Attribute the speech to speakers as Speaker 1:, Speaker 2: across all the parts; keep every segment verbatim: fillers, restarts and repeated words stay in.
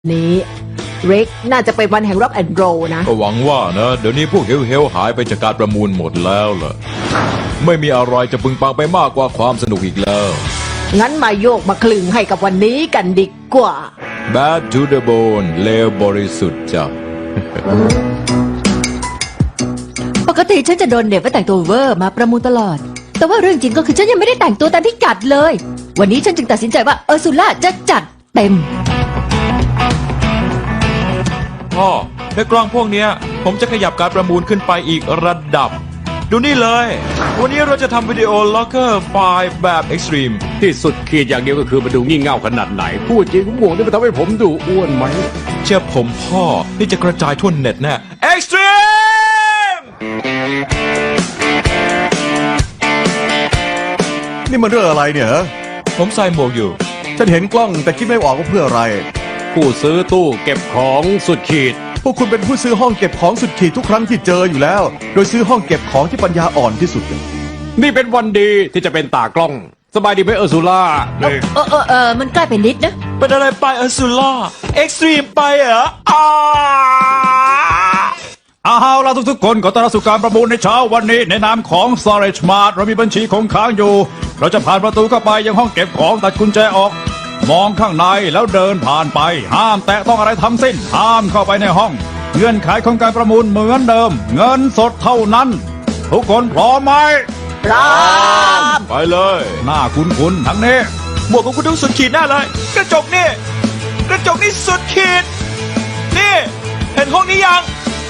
Speaker 1: นี้เร็กน่าจะเป็นวันแห่งร็อกแอนด์โรลนะ
Speaker 2: ก็หวังว่านะเดี๋ยวนี้พวกเฮลเฮลหายไปจากการประมูลหมดแล้วล่ะไม่มีอะไรจะพึงปังไปมากกว่าความสนุกอีกแล้ว
Speaker 1: งั้นมาโยกมาคลึงให้กับวันนี้กันดีกว่า
Speaker 2: Bad to the bone เลวบริสุทธิ์จ้ะ
Speaker 3: ปกติฉันจะโดนเด็บว่าแต่งตัวเวอร์มาประมูลตลอดแต่ว่าเรื่องจริงก็คือฉันยังไม่ได้แต่งตัวตามที่จัดเลยวันนี้ฉันจึงตัดสินใจว่าเออร์ซูล่าจะจัดเต็ม
Speaker 2: พ่อในกล้องพวกเนี้ยผมจะขยับการประมูลขึ้นไปอีกระดับดูนี่เลยวันนี้เราจะทำวิดีโอล็อกเกอร์ไฟล์แบบเอ็กซ์ตรีม
Speaker 4: ที่สุดขีดอย่างเดียวก็คือมาดูงี่เง่าขนาดไหนพูดจริงผมห่วงที่มันทำให้ผมดูอ้วนไหม
Speaker 2: เชื่อผมพ่อที่จะกระจายทั่วเน็ตแน่เอ็กซ์ตรีม
Speaker 5: นี่มันเรื่องอะไรเนี่ยฮะ
Speaker 2: ผมใส่หมวกอยู่
Speaker 5: ฉันเห็นกล้องแต่คิดไม่ออกว่าเพื่ออะไร
Speaker 4: ผู้ซื้อตู้เก็บของสุดขีด
Speaker 5: พวกคุณเป็นผู้ซื้อห้องเก็บของสุดขีดทุกครั้งที่เจออยู่แล้วโดยซื้อห้องเก็บของที่ปัญญาอ่อนที่สุด
Speaker 4: นี่เป็นวันดีที่จะเป็นตากล้องสบายดีไหมเออร์ซูล่า
Speaker 3: เออเออเออเออมันใกล้ไปนิดนะ
Speaker 2: เป็นอะไรไปเออร์ซูล่าเอ็กซ์ตรีมไปเหรออ้า
Speaker 6: เอาล่ะทุกๆคนขอต้อนรับสู่การประมูลในเช้าวันนี้ในนามของ Storage Mart เรามีบัญชีคงค้างอยู่เราจะผ่านประตูเข้าไปยังห้องเก็บของตัดกุญแจออกมองข้างในแล้วเดินผ่านไปห้ามแตะต้องอะไรทั้งสิ้นห้ามเข้าไปในห้องเงื่อนไขของการประมูลเหมือนเดิมเงินสดเท่านั้นทุกคนพร้อมไหม
Speaker 1: พร้อม
Speaker 2: ไปเลย
Speaker 6: หน้าคุ้นๆทั้งนี้
Speaker 2: หมวกของคุณต้องสุดขีดแน่เลยกระจกนี่กระจกนี่สุดขีดนี่เห็นห้องนี้ยัง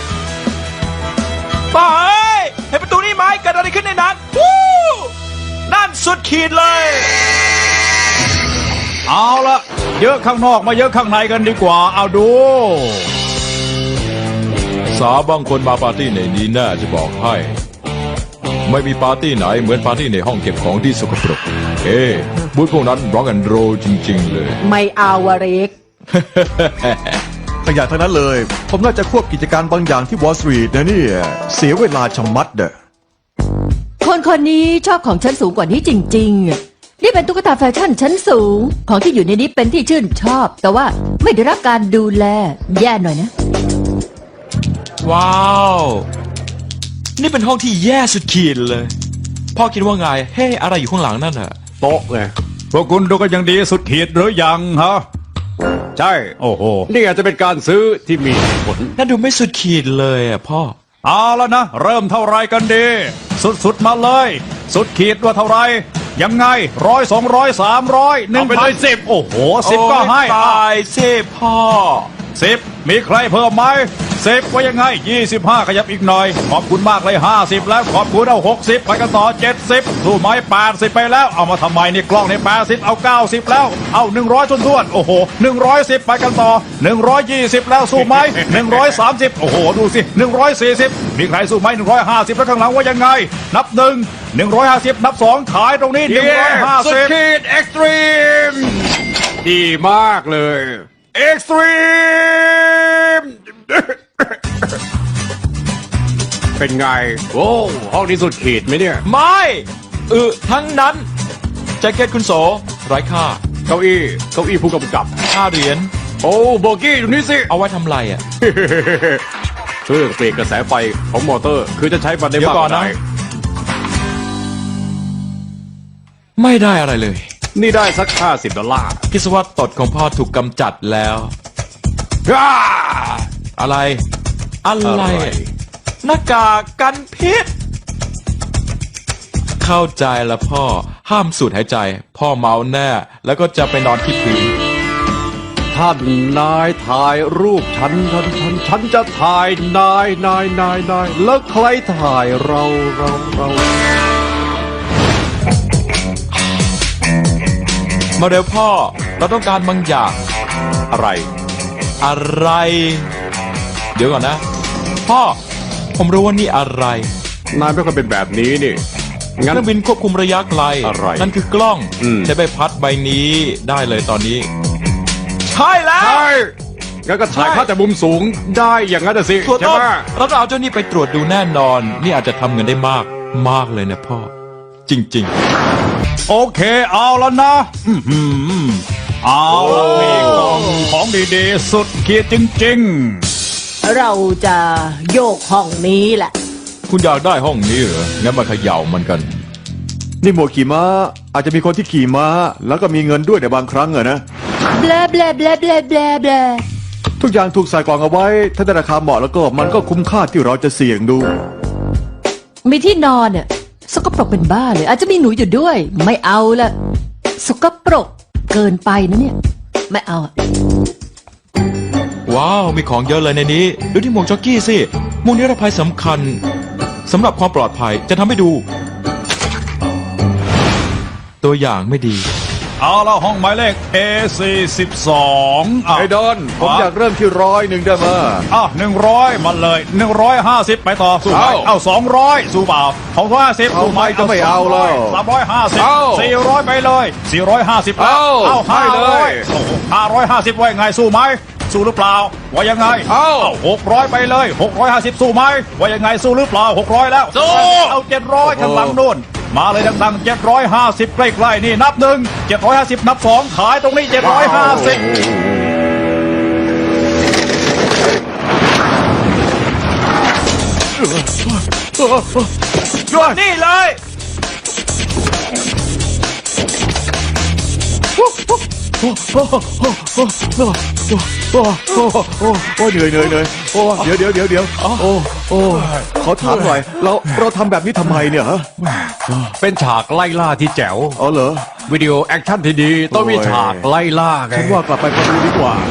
Speaker 2: ป้าเอ้ยเห็นประตูนี่ไหมเกิดอะไรขึ้นในนั้นวู้นั่นสุดขีดเลย
Speaker 6: เอาละเยอะข้างนอกมาเยอะข้างในกันดีกว่าเอาดู
Speaker 2: สาวบางคนมาปาร์ตี้ในนี้แน่จะบอกให้ไม่มีปาร์ตี้ไหนเหมือนปาร์ตี้ในห้องเก็บของที่สกปรกเอ๊ะบูธพวกนั้นร็อกแอนด์โรลจริงๆเลย
Speaker 1: ไม่เอาวะเร็ก
Speaker 5: ขยะทั้งนั้นเลยผมน่าจะควบกิจการบางอย่างที่วอลล์สตรีทนะนี่เสียเวลาชะมัดเด้อ
Speaker 3: คนคนนี้ชอบของชั้นสูงกว่านี้จริงๆนี่เป็นตุ๊กตาแฟชั่นชั้นสูงของที่อยู่ในนี้เป็นที่ชื่นชอบแต่ว่าไม่ได้รับการดูแลแย่หน่อยนะ
Speaker 2: ว้าวนี่เป็นห้องที่แย่สุดขีดเลยพ่อคิดว่าไงเฮ้อะไรอยู่ข้างหลังนั่นอะ
Speaker 4: โต๊ะไง
Speaker 6: พวกคุณดูกันยังดีสุดขีดหรือยังฮะ
Speaker 4: ใช่
Speaker 6: โอ้โห
Speaker 4: นี่อาจจะเป็นการซื้อที่มีผล
Speaker 2: นั่นดูไม่สุดขีดเลยอะพ่อ
Speaker 6: เอาแล้วนะเริ่มเท่าไรกันดีสุดๆมาเลยสุดขีดว่าเท่าไรยังไงร้อยสองร้อยสามร้อยหนึ่ง
Speaker 4: ไปเลยสิบ
Speaker 6: โอ้โหสิบก็ให้
Speaker 2: ตายสิบพ่อ
Speaker 6: สิบมีใครเพิ่มไหมสิบว่ายังไงยี่สิบห้าขยับอีกหน่อยขอบคุณมากเลยห้าสิบแล้วขอบคุณเอาหกสิบไปกันต่อเจ็ดสิบสู้ไหมแปดสิบไปแล้วเอามาทำไมนี่กล้องในแปดสิบเอาเก้าสิบแล้วเอาหนึ่งร้อยท้วนๆโอ้โหหนึ่งร้อยสิบไปกันต่อหนึ่งร้อยยี่สิบแล้วสู้ไหมหนึ่งร้อยสามสิบโอ้โหดูสิหนึ่งร้อยสี่สิบมีใครสู้ไหมหนึ่งร้อยห้าสิบแล้วข้างหลังว่ายังไงนับหนึ่งหนึ่งร้อยห้าสิบนับสองขายตรงนี้หนึ่งร้อยห้าสิบ
Speaker 4: สุดขีดเอ็กซ์ตรีมดีมากเลย
Speaker 6: เอ็กซ์ตรีม
Speaker 4: เป็นไงโอ้ห้องนี้สุดขีดไหมเนี่ย
Speaker 2: ไม่เออทั้งนั้นแจ็คเก็ตคุณโสไร้ค่า
Speaker 4: เก้าอี้เก้าอี้ผู้กำกับ
Speaker 2: ห้าเหรียญ
Speaker 4: โอ้โบกี้อยู่นี่สิ
Speaker 2: เอาไว้ทำไรอ่ะ
Speaker 4: เครื่องเปลี่ยนกระแสไฟของมอเตอร์คือจะใช้มันได้มากกว่าไหน
Speaker 2: ไม่ได้อะไรเลย
Speaker 4: นี่ได้สักห้าสิบดอลลาร์
Speaker 2: คิดว่าตดของพ่อถูกกำจัดแล้วอะไรอะไรหน้ากากกันพิษเข้าใจละพ่อห้ามสูดหายใจพ่อเมาแน่แล้วก็จะไปนอนที่พื้น
Speaker 4: ท่านนายถ่ายรูปฉันฉันฉันฉันจะถ่ายนายนายนายนายแล้วใครถ่ายเราเราเรา
Speaker 2: มาเร็วพ่อเราต้องการบางอย่าง
Speaker 4: อะไร
Speaker 2: อะไรเดี๋ยวก่อนนะพ่อผมรู้ว่านี่อะไร
Speaker 4: นายไม่ค่อยเป็นแบบนี้นี่
Speaker 2: งั้นเครื่องบินควบคุมระยะไกล
Speaker 4: อะไร
Speaker 2: นั่นคือกล้องใช้ใบพัดใบนี้ได้เลยตอนนี้ใช่แล้ว
Speaker 4: ใช่งั้นก็ถ่ายภาพจากมุมสูงได้อย่างนั้นสิ
Speaker 2: ใช่ไหมเราจะเอาเจ้านี่ไปตรวจดูแน่นอนนี่อาจจะทำเงินได้มากมากเลยนะพ่อจริงๆ
Speaker 6: โอเคเอาแล้วนะเอาละนี่กล่องของดีๆ สุดขีดจริง
Speaker 1: เราจะโยกห้องนี้แหละ
Speaker 2: คุณอยากได้ห้องนี้เหรอ งั้นมาเขย่ามันกัน
Speaker 5: นี่หมวกขี่ม้า อาจจะมีคนที่ขี่ม้า แล้วก็มีเงินด้วยในบางครั้งอะนะ
Speaker 3: แบลแบลแบลแบลแบลแบล
Speaker 5: ทุกอย่างถูกใส่กล่องเอาไว้ ถ้าได้ราคาเหมาะแล้วก็มันก็คุ้มค่าที่เราจะเสี่ยงดู
Speaker 3: มีที่นอนเนี่ยสกปรกเป็นบ้าเลย อาจจะมีหนูอยู่ด้วย ไม่เอาละสกปรกเกินไปนะเนี่ย ไม่เอาอะ
Speaker 2: ว้าว มีของเยอะเลยในนี้ ดูที่หมวกจ็อกกี้สิหมวกนิรภัยสำคัญสำหรับความปลอดภัยจะทำให้ดู ตัวอย่างไม่ดี
Speaker 6: ๆ เอาละห้องหมายเลข เอ สี่สิบสอง อ่ะ
Speaker 5: ไอ้ดอน ผมอยากเริ่มที่ร้อยหนึ่งได้ไหม
Speaker 6: อ่ะหนึ่งร้อยมาเลยหนึ่งร้อยห้าสิบไปต่อสู้ไหม
Speaker 5: เอา
Speaker 6: เอาสองร้อยสู้เปล่าของร้อยห้าสิบ
Speaker 5: เอาไม่ก็ไม่เอาแล้ว
Speaker 6: สามร้อยห้าสิบ
Speaker 5: เอา
Speaker 6: สี่ร้อยไปเลยสี่ร้อยห้าสิบแล้ว
Speaker 5: เอา
Speaker 6: เอา
Speaker 5: ให้
Speaker 6: ห้า
Speaker 5: เล
Speaker 6: ร้อย ยห้าร้อยห้าสิบว่ายังไงสู้ไหมสู้หรือเปล่าว่ายังไง
Speaker 5: เอา
Speaker 6: หกร้อยไปเลยหกร้อยห้าสิบสู้ไหมว่ายังไงสู้หรือเปล่าหกร้อยแล้ว
Speaker 5: สู้
Speaker 6: เอาเจ็ดร้อยข้างหลังนู่นมาเลยดังๆเจ็ดร้อยห้าสิบใกล้ๆนี่นับหนึ่งเจ็ดร้อยห้าสิบนับสองขายตรงนี้เจ็ดร้อยห้าสิบ นี่เลย
Speaker 5: โอ้โอ้โอ้โอ้เหนื่อยเหนื่อยเหนื่อยโอ้เดี๋ยวเดี๋ยวเดี๋ยวเดี๋ยวโอ้โอ้ขอถามหน่อยเราเราทำแบบนี้ทำไมเนี่ยฮะ
Speaker 4: เป็นฉากไล่ล่าที่แจ๋ว
Speaker 5: อ๋อเหรอ
Speaker 4: วิดีโอแอคชั่นที่ดี ต้องมี
Speaker 5: โอ้ย
Speaker 4: ฉากไล่ล่าไง
Speaker 5: ฉันว่ากลับไปประตูดีกว่า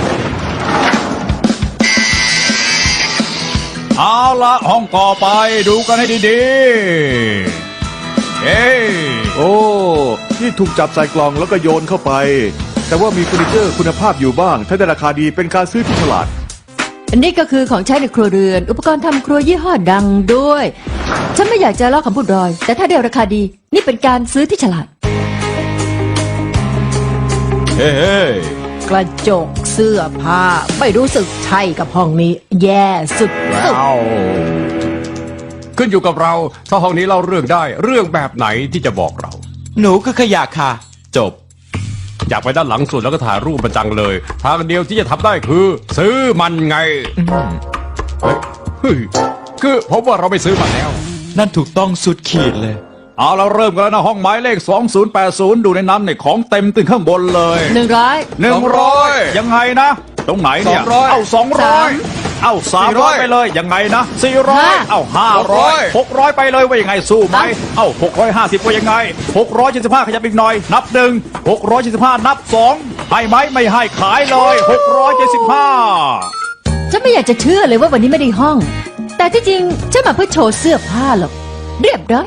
Speaker 6: เอาละห้องต่อไปดูกันให้ดีๆเอ้ย
Speaker 5: โอ้ที่ถูกจับใส่กล่องแล้วก็โยนเข้าไป แต่ว่ามีเฟอร์นิเจอร์คุณภาพอยู่บ้าง ถ้าได้ราคาดีเป็นการซื้อที่ฉลาด
Speaker 3: อันนี้ก็คือของใช้ในครัวเรือน อุปกรณ์ทำครัวยี่ห้อดังด้วย ฉันไม่อยากจะเล่าคำพูดรอย แต่ถ้าได้ราคาดี นี่เป็นการซื้อที่ฉลาด
Speaker 2: เฮ้เฮ้
Speaker 1: กระจกเสื้อผ้า ไม่รู้สึกใช่กับห้องนี้ แย่สุดสุด
Speaker 4: ว้าวขึ้นอยู่กับเรา ถ้าห้องนี้เล่าเรื่องได้ เรื่องแบบไหนที่จะบอกเรา
Speaker 2: หนูคือขยะค่ะ จบ
Speaker 4: อยากไปด้านหลังสุดแล้วก็ถ่ายรูปมันจังเลย ทางเดียวที่จะทำได้คือ ซื้อมันไงเฮ้ยเฮ้ยคือผมว่าเราไม่ซื้อมันแล้ว
Speaker 2: นั่นถูกต้องสุดขีดเลย
Speaker 6: เอาเราเริ่มกันแล้วนะห้องหมายเลขสองศูนย์แปดศูนย์ดูในนั้นเนี่ยของเต็มตึงข้างบนเลย
Speaker 3: หนึ่งร้อย
Speaker 6: หนึ่งร้อยยังไงนะ ตรงไหนเนี่ย
Speaker 5: สองร้อย
Speaker 6: เอาสองร้อย
Speaker 3: สาม
Speaker 6: เอาสามร้อยไปเลยยังไงนะสี่ร้อย
Speaker 3: ห้า
Speaker 6: เอาห้าร้อยหกร้อยไปเลยว่ายังไงสู้ไหมเอาหกร้อยห้าสิบว่ายังไงหกร้อยเจ็ดสิบห้าขยับอีกหน่อย นับหนึ่งหกร้อยเจ็ดสิบห้านับสองให้ไหมไม่ให้ขายเลยหกร้อยเจ็ดสิบห้า
Speaker 3: ฉันไม่อยากจะเชื่อเลยว่าวันนี้ไม่ได้ห้อง แต่ที่จริงฉันมาเพื่อโชว์เสื้อผ้าหรอก เรียบร้อย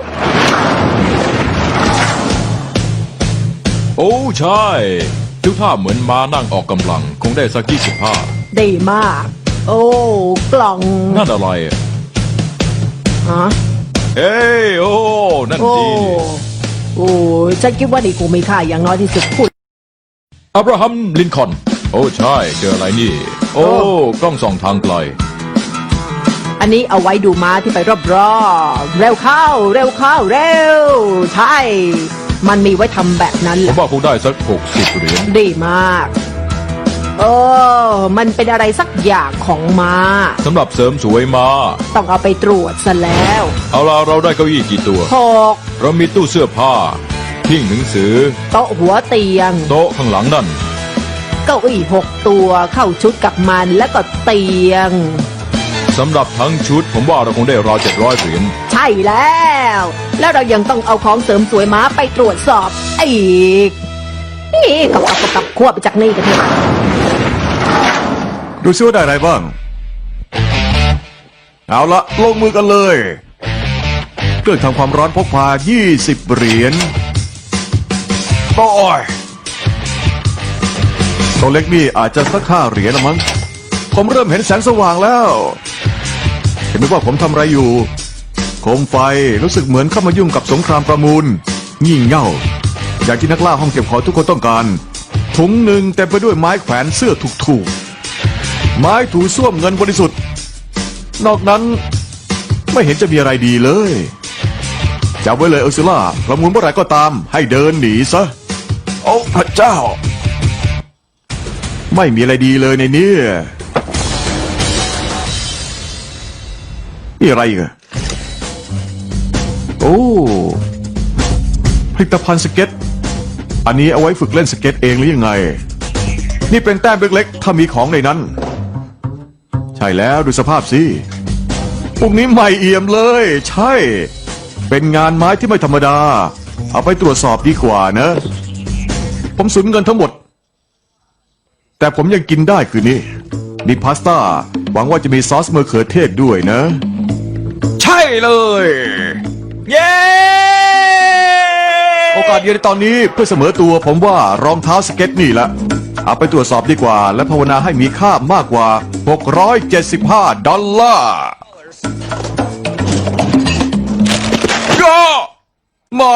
Speaker 2: โอ้ใช่ดูท่าเหมือนม้านั่งออกกำลัง คงได้สักยี่สิบห้า
Speaker 1: ดีมาก โอ้กล่อง
Speaker 2: นั่นอะไรอะ
Speaker 1: ฮะ
Speaker 2: เอ้ยโอ้ นั่น
Speaker 1: โอ้
Speaker 2: ดี
Speaker 1: โอ้ฉันคิดว่านี่คงมีค่าอย่างน้อยที่สุดพูด
Speaker 2: อับราฮัมลินคอล์นโอ้ใช่เจออะไรนี่ โอ้กล้องส่องทางไกล
Speaker 1: อันนี้เอาไว้ดูม้าที่ไปรอบๆเร็วเข้า เร็วเข้าเร็ว ใช่ มันมีไว้ทำแบบนั้น
Speaker 2: ผ
Speaker 1: แห
Speaker 2: ม
Speaker 1: ละ
Speaker 2: ว่าคงได้สักหกสิบเหรียญ
Speaker 1: ดีมากเออมันเป็นอะไรสักอย่างของม้า
Speaker 2: สำหรับเสริมสวยมา
Speaker 1: ต้องเอาไปตรวจซะแล้ว
Speaker 2: เอาล่ะเราได้เก้าอี้กี่ตัว
Speaker 1: หก
Speaker 2: เรามีตู้เสื้อผ้าหิ้งหนังสือ
Speaker 1: โต๊ะหัวเตียง
Speaker 2: โต๊ะข้างหลังนั่น
Speaker 1: เก้าอี้หกตัวเข้าชุดกับมันแล้วก็เตียง
Speaker 2: สำหรับทั้งชุด ผมว่าเราคงได้ราวเจ็ดร้อยเหรียญ
Speaker 1: ใช่แล้ว แล้วเรายังต้องเอาของเสริมสวยม้าไปตรวจสอบอีก นี่กับกับกับกับควบไปจากนี่กันเถอะ
Speaker 5: ดูซิว่าได้อะไรบ้าง เอาละลงมือกันเลย เครื่องทำความร้อนพกพายี่สิบเหรียญ
Speaker 6: โอ้ย
Speaker 5: ตัวเล็กนี่อาจจะสักห้าเหรียญละมั้ง ผมเริ่มเห็นแสงสว่างแล้ว เห็นไหมว่าผมทำอะไรอยู่ โคมไฟรู้สึกเหมือนเข้ามายุ่งกับสงครามประมูล งี่เง่า อย่างที่นักล่าห้องเก็บของทุกคนต้องการ ถุงหนึ่งเต็มไปด้วยไม้แขวนเสื้อถูกๆ ไม้ถูส้วมเงินบริสุทธิ์ นอกนั้นไม่เห็นจะมีอะไรดีเลยจำไว้เลยเออร์ซูล่าประมูลเมื่อไหร่ก็ตาม ให้เดินหนีซะ โอ้พระเจ้าไม่มีอะไรดีเลยในนี้นี่อะไรอีกอะโอ้ผลิตภัณฑ์สเก็ต อันนี้เอาไว้ฝึกเล่นสเก็ตเองหรือยังไง นี่เป็นแต้มเล็กๆถ้ามีของในนั้น ใช่แล้วดูสภาพสิพวกนี้ใหม่เอี่ยมเลย ใช่ เป็นงานไม้ที่ไม่ธรรมดา เอาไปตรวจสอบดีกว่านะ ผมสูญเงินทั้งหมด แต่ผมยังกินได้คืนนี้ มีพาสต้า หวังว่าจะมีซอสมะเขือเทศด้วยนะ ใช่เลย
Speaker 2: เย้
Speaker 5: โอกาสเดียวในตอนนี้เพื่อเสมอตัวผมว่ารองเท้าสเก็ตนี่แหละ เอาไปตรวจสอบดีกว่า และภาวนาให้มีค่ามากกว่า หกร้อยเจ็ดสิบห้า ดอลลาร์ก็หมอ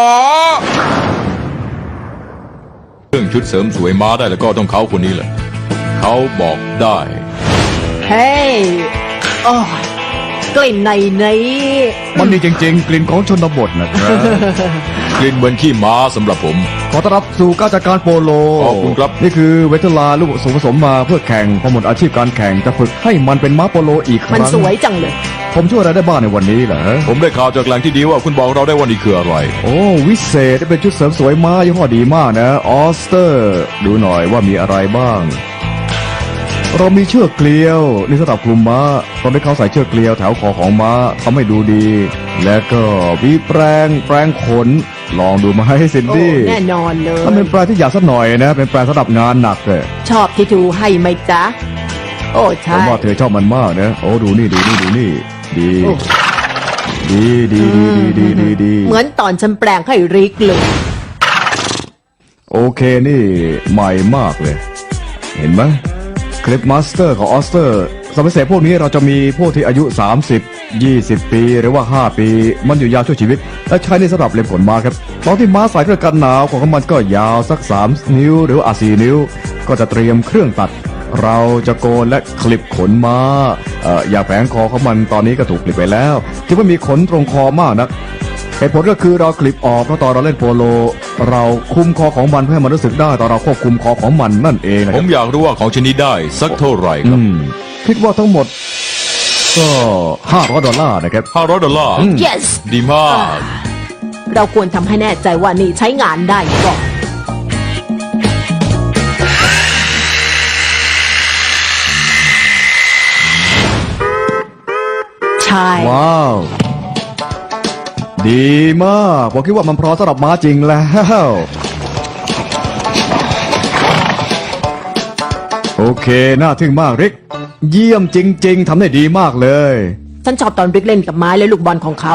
Speaker 2: เรื่องชุดเสริมสวยม้าได้แล้วก็ต้องเขาคนนี้แหละเขาบอกได้
Speaker 1: เฮ้ยโอ้ยกลิ่นในนี้
Speaker 7: มันดีจริงๆ กลิ่นของชนบทนะครับ
Speaker 2: กลิ่นเหมือนขี้ม้าสำหรับผม
Speaker 7: ขอต้อนรับสู่การจัดการโปโล
Speaker 2: ขอบคุณครับ
Speaker 7: นี่คือเวทลาลูกผสมผสมมาเพื่อแข่งพอหมดอาชีพการแข่งจะฝึกให้มันเป็นม้าโปโลอีกค
Speaker 1: มัน
Speaker 7: รั้ง
Speaker 1: สวยจังเลย
Speaker 7: ผมช่วยอะไรได้บ้างในวันนี้เหรอ
Speaker 2: ผมได้ข่าวจากแหล่งที่ดีว่าคุณบอกเราได้ว่านี่คืออะไร
Speaker 7: โอ้วิเศษเป็นชุดเสริมสวยม้ายี่ห้อดีมากนะออสเตอร์ ดูหน่อยว่ามีอะไรบ้าง เรามีเชือกเกลียวนี่สำหรับคลุมม้าตอนที่เขาใส่เชือกเกลียวแถวคอของม้าทำให้ดูดี และก็มีแปรงแปรงขน ลองดูมาให้ซิน
Speaker 1: โอ้
Speaker 7: ดี้
Speaker 1: แน่นอนเลย
Speaker 7: ถ้าเป็นแปรงที่อยากสักหน่อยนะ เป็นแปรงสำหรับงานหนักเลย
Speaker 1: ชอบที่ทูให้ไหมจ๊ะ โอ้
Speaker 7: ผ
Speaker 1: ใช่
Speaker 7: มว่าเธอชอบมันมากนะโอ้ดูนี่ดูนี่ดูนี่ ดี
Speaker 1: โอ้
Speaker 7: ดีดีดีดีดีดีดี
Speaker 1: เหมือนตอนฉันแปลงให้ริกเลย
Speaker 7: โอเคนี่ใหม่มากเลย เห็นไหมคลิปมาสเตอร์ของออสเตอร์สมัยเสพพวกนี้เราจะมีพวกที่อายุ สามสิบ ยี่สิบ ปีหรือว่า ห้า ปี มันอยู่ยาวช่วยชีวิต และใช้ในสำหรับเล็บขนม้าครับตอนที่ม้าใส่เครื่องกันหนาวของมันก็ยาวสัก สาม นิ้ว หรือว่าสี่นิ้ว ก็จะเตรียมเครื่องตัด เราจะโกนและคลิปขนม้าเอ่ออย่าแผงคอของมันตอนนี้ก็ถูกคลิปไปแล้วที่ไม่มีขนตรงคอมากนัก เหตุผลก็คือเราคลิปออกเพราะตอนเราเล่นโปโล เราคุมคอของมันเพื่อให้มันรู้สึกได้ตอนเราควบคุมคอของมันนั่นเองนะ
Speaker 2: ผ
Speaker 7: ครั
Speaker 2: ม
Speaker 7: บ
Speaker 2: อยากรู้ว่าของชนิดได้สักเท่าไหร่ค
Speaker 7: อื
Speaker 2: รับ
Speaker 7: มคิดว่าทั้งหมดก็ห้าร้อยดอลลาร์นะครับ
Speaker 2: ห้าร้อยดอลลาร์
Speaker 1: yes
Speaker 2: ดีมาก
Speaker 1: เราควรทำให้แน่ใจว่านี่ใช้งานได้ก่อน ใช่
Speaker 7: ว้าว ดีมากผมคิดว่ามันพร้อมสำหรับม้าจริงแล้ว โอเค น่าทึ่งมากริก เยี่ยมจริง ๆทำได้ดีมากเลย
Speaker 1: ฉันชอบตอนริกเล่นกับไม้และลูกบอลของเขา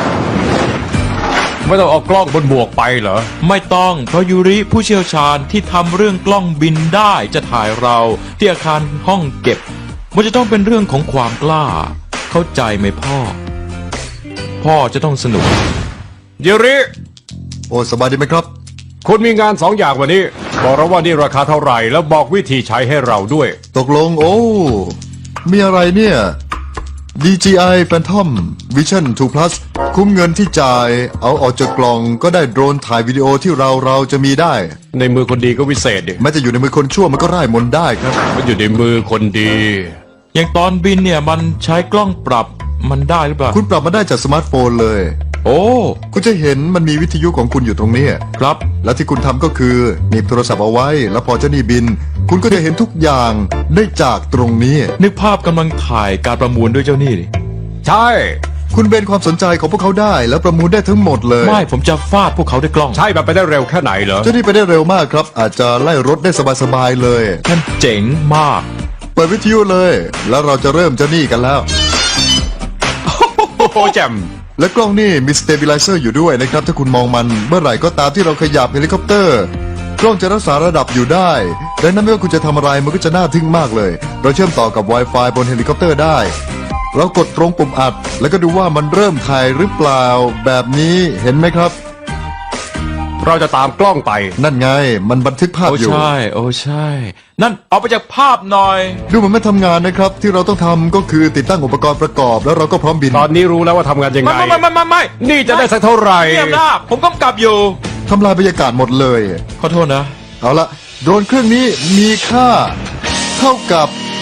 Speaker 4: ไม่ต้องเอากล้องบนหมวกไปเหรอ
Speaker 2: ไม่ต้องเพราะยูริผู้เชี่ยวชาญที่ทำเรื่องกล้องบินได้จะถ่ายเราที่อาคารห้องเก็บ มันจะต้องเป็นเรื่องของความกล้า เข้าใจไหมพ่อ พ่อจะต้องสนุก
Speaker 4: เยริ
Speaker 8: โอ้สบายดีไหมครับ
Speaker 4: คุณมีงานสองอย่างวันนี้ บอกเราว่านี่ราคาเท่าไหร่ แล้วบอกวิธีใช้ให้เราด้วย
Speaker 8: ตกลงโอ้ มีอะไรเนี่ย ดี จี ไอ Phantom Vision ทู Plus คุ้มเงินที่จ่าย เอาออกจากกล่องก็ได้โดรนถ่ายวิดีโอที่เราเราจะมีได้
Speaker 4: ในมือคนดีก็วิเศษดิ
Speaker 8: แม้จะอยู่ในมือคนชั่วมันก็ร่ายมนต์ได้ครับ
Speaker 4: มันอยู่ในมือคนดี
Speaker 2: อย่างตอนบินเนี่ยมันใช้กล้องปรับมันได้หรือเปล่า
Speaker 8: คุณปรับมาได้จากสมาร์ทโฟนเลย
Speaker 2: โอ้
Speaker 8: คุณจะเห็นมันมีวิทยุของคุณอยู่ตรงนี้
Speaker 2: ครับ
Speaker 8: และที่คุณทำก็คือหนีบโทรศัพท์เอาไว้ แล้วพอเจ้าหนี่บิน คุณก็จะเห็นทุกอย่างได้จากตรงนี้
Speaker 2: นึกภาพกำลังถ่ายการประมูลด้วยเจ้านี่ดิ
Speaker 4: ใช่
Speaker 8: คุณเบนความสนใจของพวกเขาได้ แล้วประมูลได้ทั้งหมดเลย
Speaker 2: ไม่ผมจะฟาดพวกเขาด้วยกล้อง
Speaker 4: ใช่แบบไปได้เร็วแค่ไหนเหรอ
Speaker 8: เจ้าหนี่ไปได้เร็วมากครับ อาจจะไล่รถได้สบายๆเลย
Speaker 2: นั่นเจ๋งมาก
Speaker 8: เปิดวิทยุเลย แล้วเราจะเริ่มเจ้าหนี่กันแล้ว
Speaker 4: โอ้โหแจ่ม
Speaker 8: และกล้องนี่มีสเตเบลไลเซอร์อยู่ด้วยนะครับ ถ้าคุณมองมันเมื่อไหร่ก็ตามที่เราขยับเฮลิคอปเตอร์ กล้องจะรักษาระดับอยู่ได้ดังนั้นไม่ว่าคุณจะทำอะไรมันก็จะน่าทึ่งมากเลย เราเชื่อมต่อกับ Wi-Fi บนเฮลิคอปเตอร์ได้ เรากดตรงปุ่มอัด แล้วก็ดูว่ามันเริ่มถ่ายหรือเปล่า แบบนี้เห็นไหมครับ
Speaker 4: เราจะตามกล้องไป
Speaker 8: นั่นไงมันบันทึกภาพ
Speaker 2: โอ้
Speaker 8: อยู่
Speaker 2: ใช่ โอ้ใช่ นั่นเอาไปจากภาพหน่อย
Speaker 8: ดูเหมันไม่ทำงานนะครับ ที่เราต้องทำก็คือติดตั้งอุปกรณ์ประกอบ แล้วเราก็พร้อมบิน
Speaker 4: ตอนนี้รู้แล้วว่าทำงานยังไง
Speaker 2: ไม่ไม่ไม่ไม่ไม่
Speaker 4: นี่จะได้สักเท่าไหร่
Speaker 2: เงียบนะผมกำกับอยู่
Speaker 8: ทำลายบรรยากาศหมดเลย
Speaker 2: ขอโทษนะ
Speaker 8: เอาละโดรนเครื่องนี้มีค่าเท่ากับ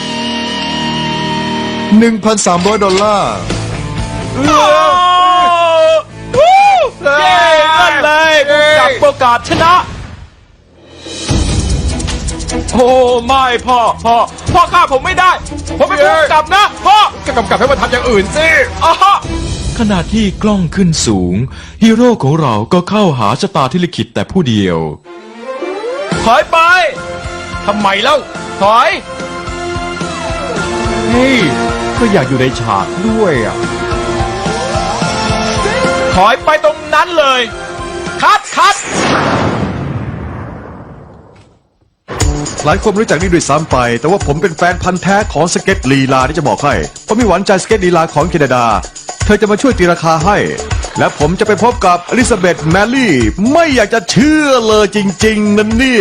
Speaker 8: หนึ่งพันสามร้อย ดอลลาร์
Speaker 2: เย้นั่นเลยกับโอกาสชนะ โอ้ไม่พ่อพ่อพ่อฆ่าผมไม่ได้ ผมเป็นผู้กำกับนะพ่อ
Speaker 4: ก็กำกับให้มันทำอย่างอื่นสิ
Speaker 2: อ่ะฮะขณะที่กล้องขึ้นสูง ฮีโร่ของเราก็เข้าหาชะตาที่ลิขิตแต่ผู้เดียว ถอยไป
Speaker 4: ทำไมเล่า
Speaker 2: ถอย
Speaker 4: เฮ้ย ก็อยากอยู่ในฉากด้วยอ่ะ
Speaker 2: ถอยไปตรงนั้นเลย คัดคัด
Speaker 5: หลายคนไม่รู้จักนี่ด้วยซ้ำไป แต่ว่าผมเป็นแฟนพันธ์แท้ของสเก็ตลีลาที่จะบอกให้ผมมีหวานใจสเก็ตลีลาของแคนาดา เธอจะมาช่วยตีราคาให้ และผมจะไปพบกับอลิซาเบธแมรี่ ไม่อยากจะเชื่อเลยจริงๆนั่นเนี่ย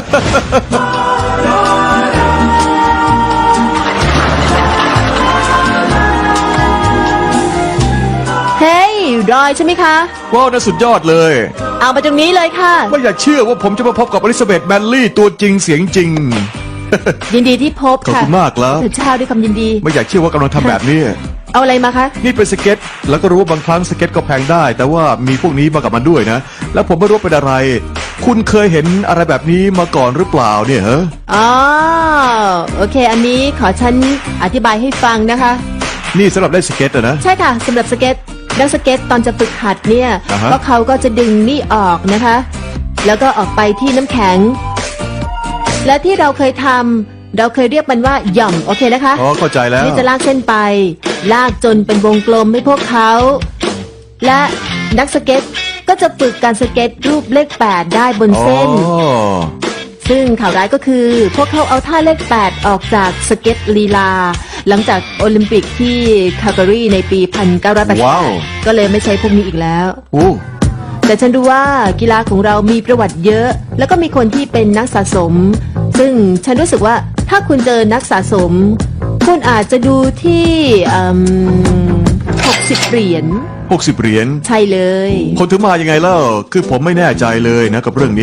Speaker 1: เฮ้ย รอยใช่ไหมคะ
Speaker 5: ว้าวน่าสุดยอดเลย
Speaker 1: เอามาตรงนี้เลยค่ะ
Speaker 5: ไม่อยากเชื่อว่าผมจะมาพบกับอลิซาเบธแมรี่ตัวจริงเสียงจริง
Speaker 1: ยินดีที่พบ
Speaker 5: ขอบ
Speaker 1: ค่ะ
Speaker 5: คุณมากแล้ว
Speaker 1: ตื่นเช้าด้วยความยินดี
Speaker 5: ไม่อยากเชื่อว่ากำลังทำแบบนี้
Speaker 1: เอาอะไรมาคะ
Speaker 5: นี่เป็นสเก็ต แล้วก็รู้ว่าบางครั้งสเก็ตก็แพงได้ แต่ว่ามีพวกนี้มากับมันด้วยนะ แล้วผมไม่รู้ว่าเป็นอะไร คุณเคยเห็นอะไรแบบนี้มาก่อนหรือเปล่าเนี่ยฮะ
Speaker 1: อ๋อ โอเค อันนี้ขอฉันอธิบายให้ฟังนะคะ
Speaker 5: นี่สำหรับเล่นสเก็ตอะนะ
Speaker 1: ใช่ค่ะสำหรับสเก็ตนักสเก็ตตอนจะฝึกหัดเนี่ย
Speaker 5: อ่าฮะ
Speaker 1: ก็เขาก็จะดึงนี่ออกนะคะ แล้วก็ออกไปที่น้ำแข็ง และที่เราเคยทำเราเคยเรียกมันว่าหย่อมโอเคนะคะ
Speaker 5: อ๋อเข้าใจแล้ว
Speaker 1: นี่จะลากเส้นไป ลากจนเป็นวงกลมให้พวกเขา และนักสเก็ตก็จะฝึกการสเก็ตรูปเลขแปดได้บน
Speaker 5: อ๋อ
Speaker 1: เส้น ซึ่งข่าวร้ายก็คือ พวกเขาเอาท่าเลขแปดออกจากสเก็ตลีลา หลังจากโอลิมปิกที่คาลการีในปี หนึ่งพันเก้าร้อยแปดสิบ
Speaker 5: ว้าว
Speaker 1: ก็เลยไม่ใช้พวกนี้อีกแล้ว
Speaker 5: โอ้
Speaker 1: แต่ฉันดูว่ากีฬาของเรามีประวัติเยอะ แล้วก็มีคนที่เป็นนักสะสม ซึ่งฉันรู้สึกว่าถ้าคุณเจอนักสะสม คุณอาจจะดูที่หกสิบเหรียญ
Speaker 5: หกสิบเหรียญ
Speaker 1: ใช่เลย
Speaker 5: คนถึงมายังไงเล่า คือผมไม่แน่ใจเลยนะกับเรื่องนี้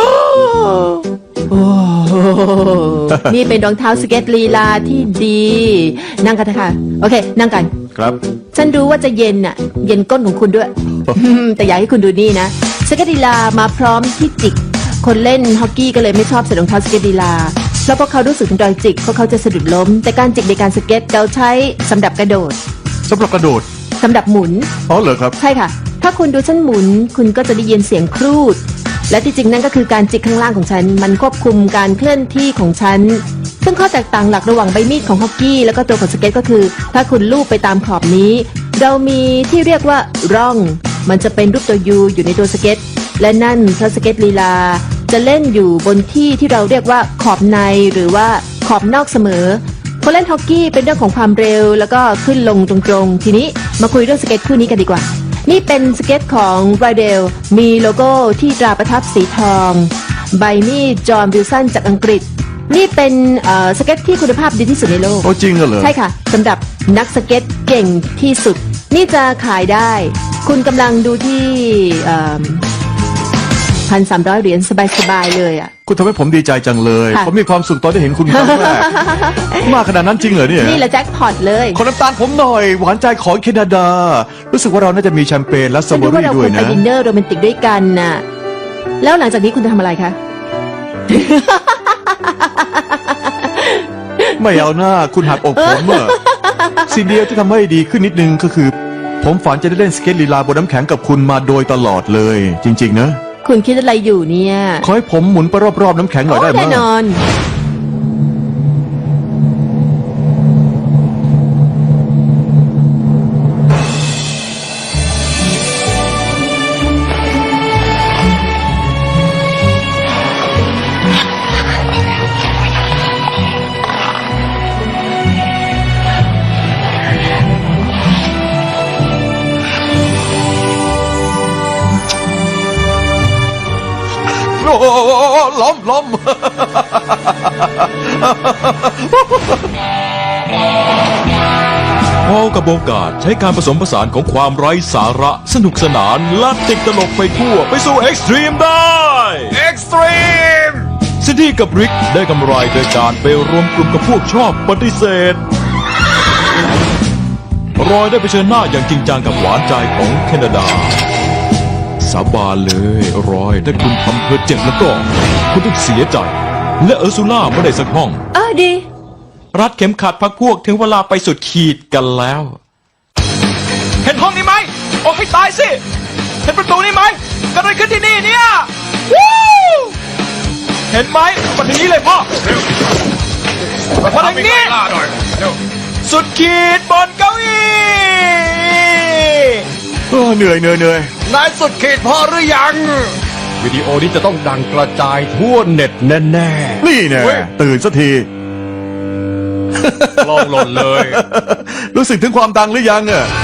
Speaker 1: นี่เป็นรองเท้าสเก็ตลีลาที่ดี นั่งกันเถอะค่ะ โอเค นั่งกัน
Speaker 5: ครับ
Speaker 1: ฉันรู้ว่าจะเย็นน่ะ เย็นก้นของคุณด้วย แต่อยากให้คุณดูนี่นะ สเก็ตลีลามาพร้อมที่จิก คนเล่นฮอกกี้ก็เลยไม่ชอบใส่รองเท้าสเก็ตลีลา แล้วพอเขารู้สึกถึงรอยจิกเพราะเขาจะสะดุดล้ม แต่การจิกในการสเก็ตเราใช้สำหรับกระโดด
Speaker 5: สำหรับกระโดด
Speaker 1: สำหรับหมุน
Speaker 5: อ๋อเหรอครับ
Speaker 1: ใช่ค่ะ ถ้าคุณดูฉันหมุน คุณก็จะได้ยินเสียงครูด และที่จริงนั่นก็คือการจิกข้างล่างของฉัน มันควบคุมการเคลื่อนที่ของฉัน ซึ่งข้อแตกต่างหลักระหว่างใบมีดของฮอกกี้แล้วก็ตัวของสเก็ตก็คือ ถ้าคุณลูบไปตามขอบนี้ เรามีที่เรียกว่าร่อง มันจะเป็นรูปตัวยูอยู่ในตัวสเก็ต และนั่นเพราะสเก็ตลีลา จะเล่นอยู่บนที่ที่เราเรียกว่าขอบในหรือว่าขอบนอกเสมอ คนเล่นฮอกกี้เป็นเรื่องของความเร็วแล้วก็ขึ้นลงตรงๆ ทีนี้มาคุยเรื่องสเก็ตคู่นี้กันดีกว่า นี่เป็นสเก็ตของไรเดลมีโลโก้ที่ตราประทับสีทอง ใบมีดจอห์นวิลสันจากอังกฤษ นี่เป็นเอ่อสเก็ตที่คุณภาพดีที่สุดในโลก
Speaker 5: โอ้จริงเหรอ
Speaker 1: ใช่ค่ะสำหรับนักสเก็ตเก่งที่สุด นี่จะขายได้ คุณกำลังดูที่พันสามร้อยเหรียญสบายๆเลยอ่ะ
Speaker 5: คุณทำให้ผมดีใจจังเลย
Speaker 1: ค่ะ
Speaker 5: ผมมีความสุขตอนได้เห็นคุณครั้งแรก มากขนาดนั้นจริงเหรอเนี่ย
Speaker 1: นี่แหละแจ็คพอตเลย
Speaker 5: ขอน้ำตาลผมหน่อย หวานใจของแคนาดา รู้สึกว่าเราน่าจะมีแชมเปญและสตร
Speaker 1: ฉั
Speaker 5: อน เบอ
Speaker 1: รู้ว่า
Speaker 5: รี่
Speaker 1: เรา
Speaker 5: ด้
Speaker 1: คว วย รไป
Speaker 5: นะ
Speaker 1: ดินเนอร์โรแมนติกด้วยกันน่ะ แล้วหลังจากนี้คุณจะทำอะไรคะ
Speaker 5: ไม่เอาหน้าคุณหักอกผมอะสิ่งเดียวที่ทำให้ดีขึ้นนิดนึงก็คือ ผมฝันจะได้เล่นสเก็ตลีลาบนน้ำแข็งกับคุณมาโดยตลอดเลย จริง ๆ นะ
Speaker 1: คุณคิดอะไรอยู่เนี่ย
Speaker 5: ขอให้ผมหมุนไปรอบๆน้ำแข็งหน่อยได้ไหม
Speaker 1: แน่นอน
Speaker 5: โอ้โหล้มล้ม
Speaker 2: พอลกับโอกาสใช้การผสมผสานของความไร้สาระสนุกสนานและติดตลกไปทั่วไปสู่เอ็กซ์ตรีมได้
Speaker 4: เอ็กซ์ตรีม
Speaker 2: ซินดี้กับริกได้กำไรโดยการไปรวมกลุ่มกับพวกชอบปฏิเสธ รอยได้ไปเชิญหน้าอย่างจริงจังกับหวานใจของแคนาดา สาบานเลยรอยถ้าคุณทำเธอเจ็บแล้วก็ คุณต้องเสียใจ และเออร์ซูล่าไม่ได้สักห้อง
Speaker 3: เออดี
Speaker 2: รัดเข็มขัดพักพวกถึงเวลาไปสุดขีดกันแล้ว เห็นห้องนี้ไหมออกให้ตายสิ เห็นประตูนี้ไหมเกิดอะไรขึ้นที่นี่เนี่ยวู้เห็นไหมมาถึงนี้เลยพ่อมาถึงนี้สุดขีดบนเก้าอี้
Speaker 5: เออเหนื่อยเหนื่อยเหนื่อย
Speaker 4: นายสุดขีดพอหรือยัง วิดีโอนี้จะต้องดังกระจายทั่วเน็ตแน่
Speaker 5: นี่แน่ตื่นสักที
Speaker 4: ๆ ลองหล่นเลย
Speaker 5: รู้สึกถึงความดังหรือยังอะ